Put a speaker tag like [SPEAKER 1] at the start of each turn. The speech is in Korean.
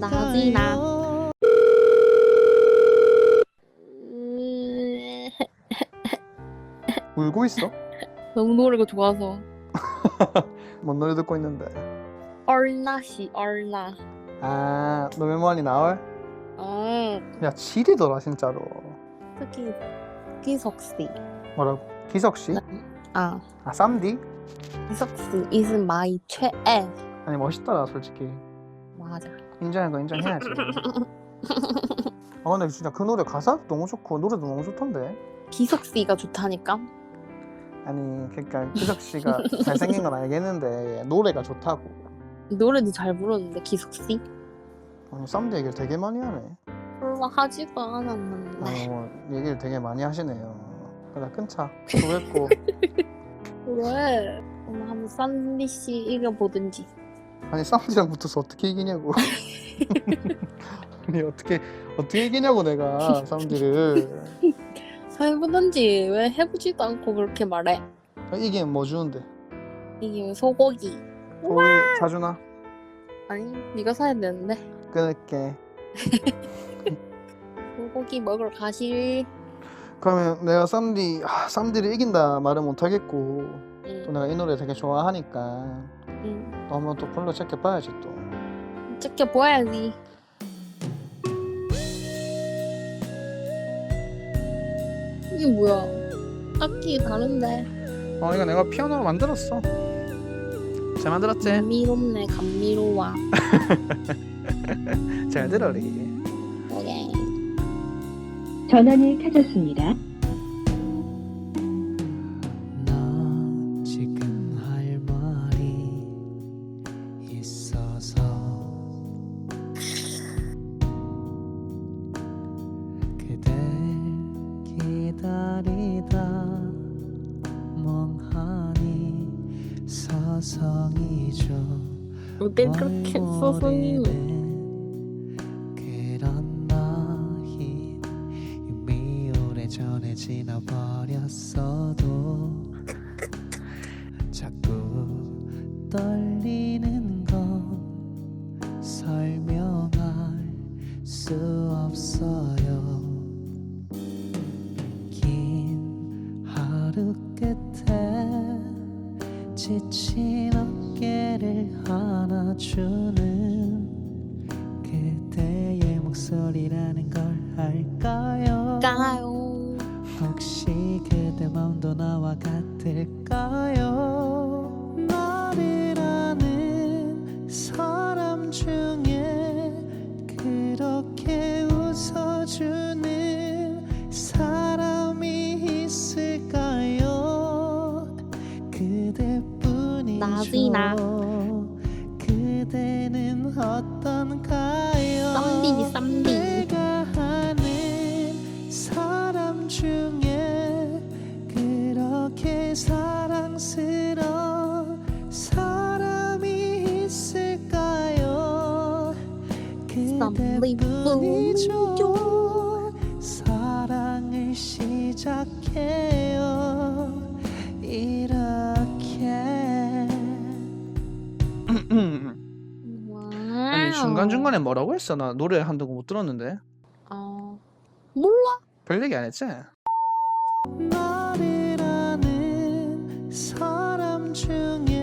[SPEAKER 1] 나지나.
[SPEAKER 2] 울고 있어?
[SPEAKER 1] 너무 노래가 좋아서.
[SPEAKER 2] 뭔 노래 듣고 있는데?
[SPEAKER 1] 얼나시 얼나.
[SPEAKER 2] 아, 노래만이 나올? 야, 지리더라 진짜로.
[SPEAKER 1] 특히 기석씨.
[SPEAKER 2] 뭐라고? 기석씨?
[SPEAKER 1] 아,
[SPEAKER 2] 쌈디?
[SPEAKER 1] 기석씨 is my 최애.
[SPEAKER 2] 아니 멋있더라 솔직히.
[SPEAKER 1] 맞아.
[SPEAKER 2] 인정한 거 인정해야지. 아 근데 진짜 그 노래 가사도 너무 좋고 노래도 너무 좋던데.
[SPEAKER 1] 기석씨가 좋다니까.
[SPEAKER 2] 아니 그러니까 기석씨가 잘생긴 건 알겠는데 노래가 좋다고.
[SPEAKER 1] 노래도 잘 부르는데 기석씨?
[SPEAKER 2] 아니 쌈디 얘기를 되게 많이 하네.
[SPEAKER 1] 별로 하지도 않았는데.
[SPEAKER 2] 얘기를 되게 많이 하시네요. 그래 끊자. 수고했고.
[SPEAKER 1] 왜? 한번 쌈디씨 이겨보든지.
[SPEAKER 2] 아니 쌈디랑 붙어서 어떻게 이기냐고. 아니 어떻게 이기냐고 내가 쌈디를.
[SPEAKER 1] 해보든지 왜 해보지도 않고 그렇게 말해?
[SPEAKER 2] 이기면 뭐 주는데?
[SPEAKER 1] 이게 소고기.
[SPEAKER 2] 소고기 사주나?
[SPEAKER 1] 아니 네가 사야 되는데.
[SPEAKER 2] 끊을게.
[SPEAKER 1] 소고기 먹으러 가실.
[SPEAKER 2] 그러면 내가 쌈디를 이긴다 말은 못하겠고 또
[SPEAKER 1] 응.
[SPEAKER 2] 내가 이 노래 되게 좋아하니까
[SPEAKER 1] 응.
[SPEAKER 2] 또 한번 또 불러 제껴봐야지 또.
[SPEAKER 1] 지켜봐야지. 이게 뭐야? 악기 다른데.
[SPEAKER 2] 이거 내가 피아노로 만들었어. 잘 만들었지?
[SPEAKER 1] 감미롭네 감미로워.
[SPEAKER 2] 잘 들어리.
[SPEAKER 1] 오케이.
[SPEAKER 3] 전원이 켜졌습니다.
[SPEAKER 4] 너 지금 할 말이 있어서 그댈 기다리다 멍하니 서성이죠.
[SPEAKER 1] 어딜 그렇게 소송이?
[SPEAKER 4] 그런 너흰 이미 오래전에 지나버렸어도 자꾸 떨리는 건 설명할 수 없어요. 긴 하루 끝에 지친 어깨를 안아주는 그대의 목소리라는 걸 알까요?
[SPEAKER 1] 까요.
[SPEAKER 4] 혹시 그대 마음도 나와 같을까요? 나를 아는 사람 중에 그렇게 웃어주는 사람이 있을까요? 그대뿐이죠.
[SPEAKER 1] 나지나.
[SPEAKER 4] 그대는 어떤가요?
[SPEAKER 1] 쌈디.
[SPEAKER 4] 내가 아는 사람 중에 그렇게 사랑스러운 사람이 있을까요? 그대뿐이죠. 사랑을 시작해요 이렇게.
[SPEAKER 2] 아니 중간중간에 뭐라고 했어? 나 노래 한다고 못 들었는데.
[SPEAKER 1] 몰라.
[SPEAKER 2] 별 얘기 안 했지?
[SPEAKER 4] 나를 아는 사람 중에